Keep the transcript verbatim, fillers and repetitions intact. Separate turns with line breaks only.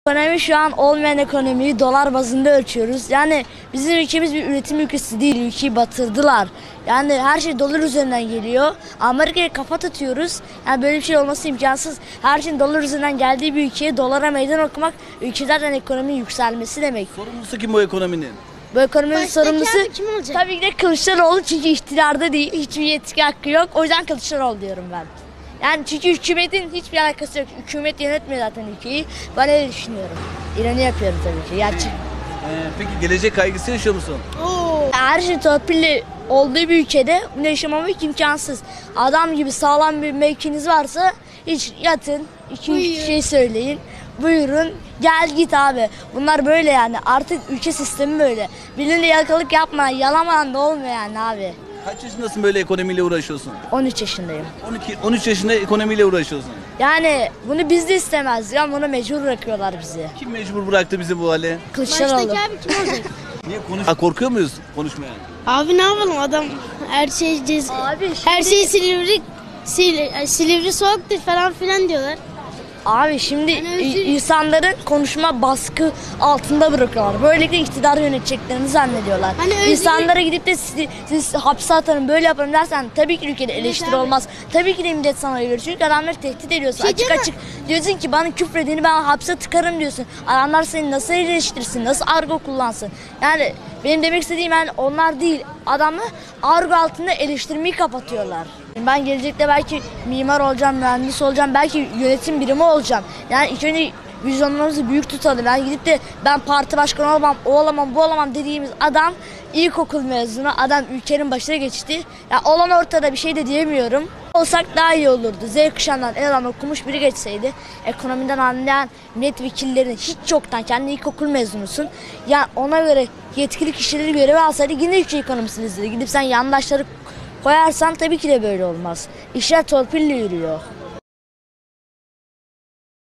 Ekonomi şu an olmayan ekonomiyi dolar bazında ölçüyoruz. Yani bizim ülkemiz bir üretim ülkesi değil, ülkeyi batırdılar. Yani her şey dolar üzerinden geliyor. Amerika'ya kafa tutuyoruz. Yani böyle bir şey olması imkansız. Her şeyin dolar üzerinden geldiği bir ülkeye dolara meydan okumak ülkelerden ekonominin yükselmesi demek.
Sorumlusu kim bu ekonominin?
Bu ekonominin
Baştaki
sorumlusu
abi kim olacak?
tabii ki de Kılıçdaroğlu, çünkü iktidarda değil, hiçbir yetki hakkı yok. O yüzden Kılıçdaroğlu diyorum ben. Yani çünkü hükümetin hiçbir alakası yok. Hükümet yönetmiyor zaten ülkeyi. Ben öyle düşünüyorum. İran'ı yapıyorum tabii ki. Gerçi
Ee, peki gelecek kaygısı yaşıyor musun?
her şey torpille olduğu bir ülkede bunu yaşamamak imkansız. Adam gibi sağlam bir mevkiniz varsa hiç yatın, iki üç şey söyleyin. Buyurun gel git abi. Bunlar böyle yani. Artık ülke sistemi böyle. Birine yalakalık yapma, yalamadan da olmuyor yani abi.
Kaç yaşındasın böyle ekonomiyle uğraşıyorsun?
on üç yaşındayım.
on iki on üç yaşında ekonomiyle uğraşıyorsun.
Yani bunu biz de istemezdik ama bunu mecbur bırakıyorlar bizi.
Kim mecbur bıraktı bizi bu hale?
Kılıçdaroğlu.
Baştaki abi kim olacak?
Niye konuş? Ha, korkuyor muyuz konuşmaya?
Abi ne yapalım, adam her şey cez...
Abi
her şey Silivri Sil... Silivri soğuktur falan filan diyorlar.
Abi şimdi
Yani özür-
i- insanların konuşma baskı altında bırakıyorlar. Böylelikle iktidar yöneteceklerini zannediyorlar.
Hani özür-
İnsanlara gidip de siz, siz hapse atarım böyle yaparım dersen tabii ki ülkede eleştiri
abi.
olmaz. Tabii ki de millet sana verir. Çünkü adamları tehdit ediyorsun.
Şey
açık
değil mi?
açık diyorsun ki bana küfredeni ben hapse tıkarım diyorsun. Adamlar seni nasıl eleştirsin, nasıl argo kullansın. Yani benim demek istediğim yani onlar değil. Adamı argo altında eleştirmeyi kapatıyorlar. Ben gelecekte belki mimar olacağım, mühendis olacağım, belki yönetim birimi olacağım. Yani ilk önce vizyonlarımızı büyük tutalım. Yani gidip de ben parti başkanı olamam, o olamam, bu olamam dediğimiz adam ilkokul mezunu, adam ülkenin başına geçti. Ya olan ortada, bir şey de diyemiyorum. Olsak daha iyi olurdu. Z kuşağından en adam okumuş biri geçseydi, ekonomiden anlayan milletvekillerini hiç yoktan, kendi ilkokul mezunusun. Yani ona göre yetkili kişileri görevi alsaydı yine ülke ekonomisini izledi. Gidip sen yandaşları koyarsan tabii ki de böyle olmaz. İşler torpille yürüyor.